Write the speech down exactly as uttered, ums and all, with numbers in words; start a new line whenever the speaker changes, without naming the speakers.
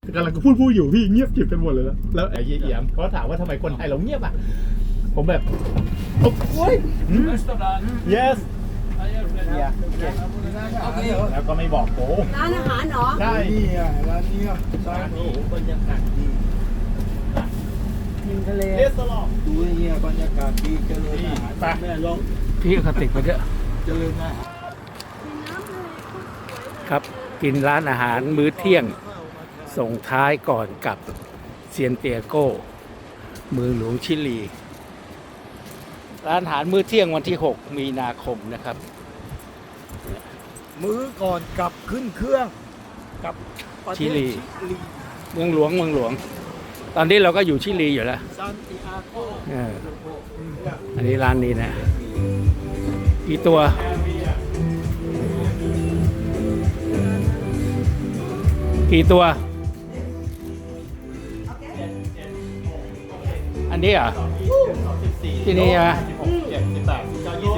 กำลังพูดพูดอยู่พี่เงียบกริบกันหมดเลยแล้วแล้วไอ้เยี่ยมเขาถามว่าทำไมคนไทยเราเงียบอ่ะผมแบบโอ้ย yes แล้วก็ไม่บอกโอ้
ร้านอาหารเหรอ
ใช่
นี่อ่ะร้านนี้อ่ะร้านนี้บรรยากาศดี
ริมทะเล
เรสตอรอง
ดูเนี่ยบรรยากาศดีเจริญอาหาร
ไป
แม่ลอง
พี่คติกไปเยอะ
เจริญอาหาร
ครับกินร้านอาหารมื้อเที่ยงส่งท้ายก่อนกับเซียนเตียโก้เมืองหลวงชิลี ร้านอาหารมื้อเที่ยงวันที่หกมีนาคมนะครับ
มื้อก่อนกลับขึ้นเครื่องกับประเทศ
ชิลี
ชิลี
เมืองหลวงเมืองหลวง ตอนนี้เราก็อยู่ชิลีอยู่แล้ว
ซานติอาโก
เอออันนี้ร้านนี้นะกี่ตัวกี่ตัว อันนี้เหรอ่ะที่นี่ใช่ไหม
สิบหก สิบเจ็ด สิบแปด สิบเก้า ยี่